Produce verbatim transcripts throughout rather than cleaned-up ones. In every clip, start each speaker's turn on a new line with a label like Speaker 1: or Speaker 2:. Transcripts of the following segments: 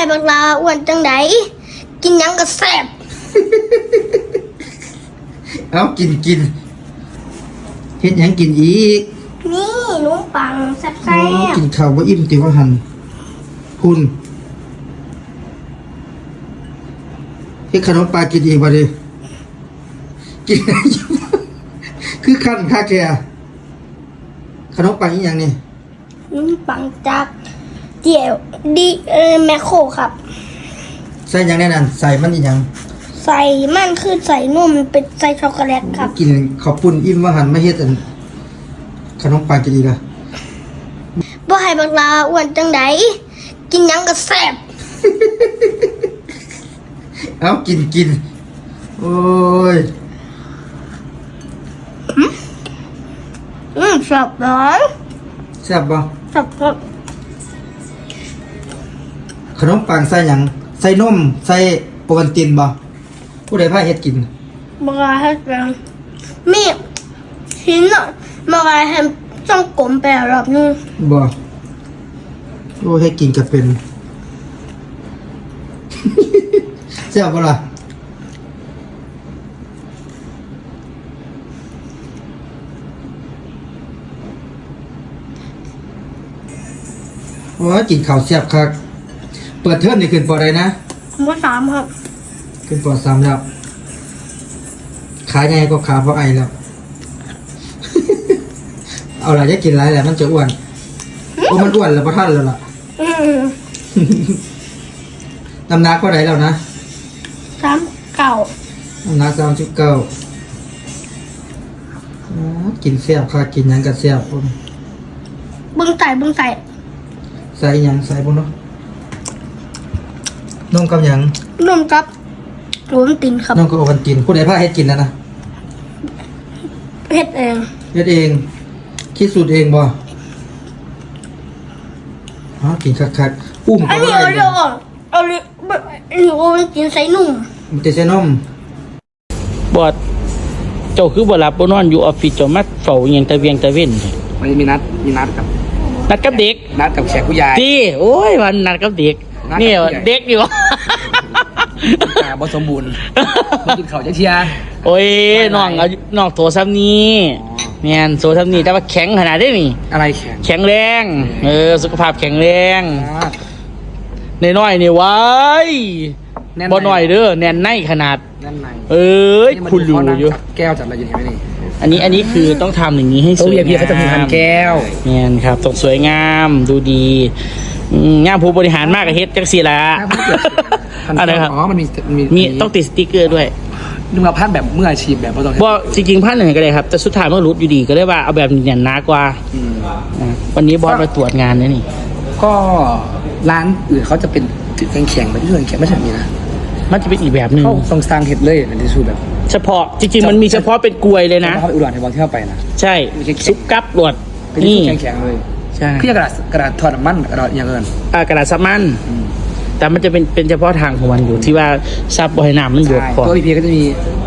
Speaker 1: บักลาอ้วนจังไดกินยังก็แซ่บ
Speaker 2: เอากินกินเฮ็ดหยังกินอีก
Speaker 1: นี่ขนมปังแซ่บแซ่บ
Speaker 2: กินข้าวบ่อิ่มติว่าหันคุณเฮ็ดขนมปลากินอีกบ่ดิกินคือขั้นค่าแกขนมปังอีหยังนี่
Speaker 1: ขนมปังจากเจียวดีเออแมคโครครับ
Speaker 2: ใส่หยังแน่นั่นใส่มันอีหยัง
Speaker 1: ใส่มันคือใส่นมเป็นใส่ช็อกโกแลตครับ
Speaker 2: กินข้าวปุ้นอิ่มว่าหันไม่เฮ็ดอันขนมปังกินอีกอ่ะ
Speaker 1: บ่ให้บักลาอ้วนจังไดกินยังก็แซ่บ
Speaker 2: เอากินกินโอ้ย
Speaker 1: อืมแซ่บร้อน
Speaker 2: แซ่บบ่
Speaker 1: แซ่บครับ
Speaker 2: ขนมปังใส่หยังใส่นมใส่โปรตีนบ่ผู้ใดพาเฮ็ดกิน
Speaker 1: บักลาให้กันมีหินอ่ะบักลาให้ต้องกลมไปรอบนึง
Speaker 2: บ่โอ้ให้กินก็เป็น แซ่บบ่ล่ะโอ้กินข้าวแซ่บคักเปิดเทอมนี่ขึ้นปอใดนะ
Speaker 1: ม.สามครับ
Speaker 2: ขึ้นปอสามแล้วขาใหญ่ก็ขาเพราะไอแล้ว เอาล่ะจะกินหลายแหละมันจะอ้วนโอ้มันอ้วนแล้วบ่ทันแล้วล่ะน้ำหนักเท่าไหร่แล้วนะ
Speaker 1: สามเก้า
Speaker 2: น้ำหนักสามสิบเก้ากินแซ่บค่ะกินหยังก็แซ่บพุ่น
Speaker 1: บึ้งใส่บึ้งใส่
Speaker 2: ใส่หยังใส่พุ่นเนาะนมกับหยัง
Speaker 1: นมกับโอวัลตินครับ
Speaker 2: นมกับโอวัลตินผู้ใดพาเฮ็ดกินนะนะ
Speaker 1: เฮ็ดเอง
Speaker 2: เฮ็ดเองคิดสูตรเองบ่ฮะกินคักๆอุ้ม
Speaker 1: อันนี้เอาเดี๋ยวเอาเลยอันนี้โอวัลตินใส่นม
Speaker 2: มันจะใส่นม
Speaker 3: บอดเจ้าคือบ่หลับบ่นอนอยู่ออฟฟิศเจ้ามาเฝ้าอิหยังตะเวียงตะเว้น
Speaker 4: มันมีนัดมีนัดกับ
Speaker 3: นัดกับเด็ก
Speaker 4: นัดกับแขกผู้ใหญ่
Speaker 3: ที่โอ้ยมันนัดกับเด็กนี่เด็กอยู่
Speaker 4: แต่บ่สมบูรณ์บ่กินข้าวจักเที่ย
Speaker 3: โอ้ยน้องเอาน้องโตซ้ำนี้แม่นโตซ้ำนี้แต่ว่าแข็งขนาดนี้นี่
Speaker 4: อะไรแข็ง
Speaker 3: แข็งแรงเออสุขภาพแข็งแรงน้อยๆนี่ว้ายบ่น้อยเด้อแน่นในขนาด
Speaker 4: แน่นใน
Speaker 3: เอ้ยคุณรู้อยู่
Speaker 4: แก้วจัดอะไรอยู่เห็นไหมนี่
Speaker 3: อันนี้อันนี้คือต้องทำอย่างนี้ให้สวยงาม
Speaker 4: เขาจะมีพันแก้ว
Speaker 3: เนี่ยครับต้องสวยงามดูดีงามผู้บริหารมากกับเฮ็ดจังสี่ละอะไรครับ
Speaker 4: อ๋อมันมี
Speaker 3: มีต้องติดสติ๊กเกอร์ด้วย
Speaker 4: นึกว่าพันแบบมืออาชีพแบบไม่ต้อง
Speaker 3: ว่าจริงๆพันหนึ่งก็ได้ครับแต่สุดท้ายเมื่อรุดอยู่ดีก็ได้ว่าเอาแบบเนี่ยหนากว่าวันนี้บอสมาตรวจงานนี่นี่
Speaker 4: ก็ร้านอื่นเขาจะเป็นแข็งแข็งแบบที่แข็งไม่ใช่แบบนี้นะ
Speaker 3: มันจะเป็นอีกแบบหนึ่ง
Speaker 4: เขาต้องสร้างเห็ดเลยเป็นที่สุดแบบ
Speaker 3: เฉพาะจริงๆมันมีเฉพาะเป็นกลวยเลยนะ
Speaker 4: เขาไปอุดรในวันที่เข้าไปนะ
Speaker 3: ใช่ซุปกับหลวด
Speaker 4: นี่แข็งแข็งเลย
Speaker 3: ใช่
Speaker 4: พี่กระดาษกระดาษถอดน้ำมันกระดาษอย่างเงิน
Speaker 3: อ่ากระดาษซับมันแต่มันจะเป็นเป็นเฉพาะทางของมันอยู่ที่ว่าซับบอยน้ำมันเยอะ
Speaker 4: พอตัวพีพีก็จะมี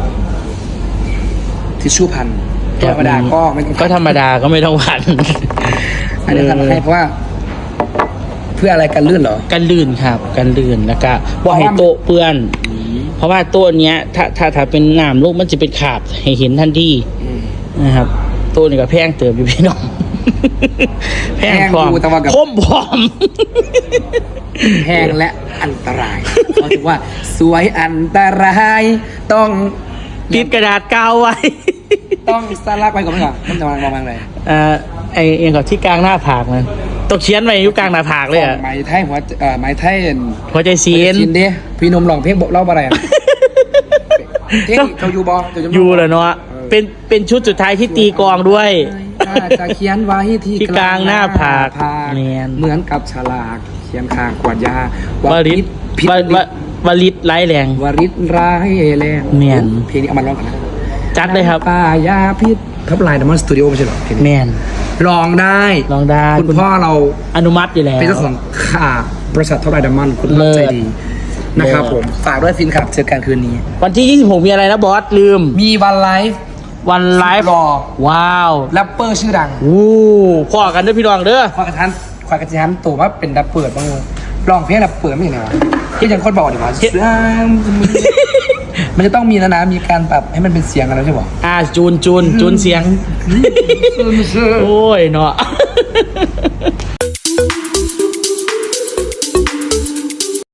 Speaker 4: ทิชชู่พันธรรมดาก็ไม่
Speaker 3: ก็ธรรมดาก็ไม่ต้องพัน
Speaker 4: อันนี้ทำให้เพราะว่าเพื่ออะไรกันลื่นเหรอ
Speaker 3: กันลื่นครับกันลื่นแล้วก็บ่ให้โต๊ะเปื้อนเพราะว่าโต๊ะเนี้ยถ้าถ้าถ้าเป็นน้ำลูกมันจะเป็นขาบให้เห็นทันทีนะครับโต๊ะนี่ก็แพงเติมอยู่พี่น้องแพงพร้อมคมพร้อม
Speaker 4: แพงและอันตรายเขาถือว่าสวยอันตรายต้อง
Speaker 3: ติดกระดาษกาวไว้
Speaker 4: ต้องสลักไว้ก่อนไหมครับมันจะมองมองอะไร
Speaker 3: เอ่อไอเองกับที่กลางหน้าผากมันต้องเขียนไว้อยู่กลางหน้าผากเลยอ่ะ
Speaker 4: ไม้ไทยหัวเอ่อไม้ไทย
Speaker 3: หัวใจซีน
Speaker 4: ซีนดิพี่นมหลองเพลงบอกเล่าอะไรอ่ะเฮ้ยเขาอยู่บอ
Speaker 3: อยู่เหรอเนาะเป็นเป็นชุดสุดท้ายที่ตีกลองด้วย
Speaker 4: จะเขียนไว้ที่
Speaker 3: กลางหน้าผาก
Speaker 4: เหมือนกับฉลากเขียนข้างขวดยาว
Speaker 3: ริศวริศไร้แรง
Speaker 4: วริศไร้แรง
Speaker 3: เมียน
Speaker 4: เพลงนี้เอามาร้องกันนะ
Speaker 3: จัดเลยครับ
Speaker 4: ป่ายาพิษทับลายดัมมอนสตูดิโอไม่ใช่หรอเพลง
Speaker 3: เมียน
Speaker 4: ร้องได้
Speaker 3: ร้องได้
Speaker 4: คุณพ่อเรา
Speaker 3: อนุมัติอยู่แล้ว
Speaker 4: เป็นเจ้าของข่าบริษัททับลายดัมมอนคุณใจดีนะครับผมฝากด้วยฟินครับเจอกันคืนนี้
Speaker 3: วันที่ยี่สิบหกมีอะไรนะบอสลืม
Speaker 4: มีวันไลฟ์
Speaker 3: วันไลฟ์
Speaker 4: รอ
Speaker 3: ว้าว
Speaker 4: แรปเปอร์ชื่อดัง
Speaker 3: โอ้พ่อกันเด้อพี่น้องเด้อ
Speaker 4: พ่อกระทันควายกระทันตัวว่าเป็นแรปเปอร์บ้างร้องเพลงแบบเปิดไม่เห็นเลยวะที่ยังคนบอกดีกว่ามันจะต้องมีนะนะมีการปรับให้มันเป็นเสียงอะไรใช่ป่ะ
Speaker 3: อ่าจูนจูนจูนเสียง โอ้ยเนาะ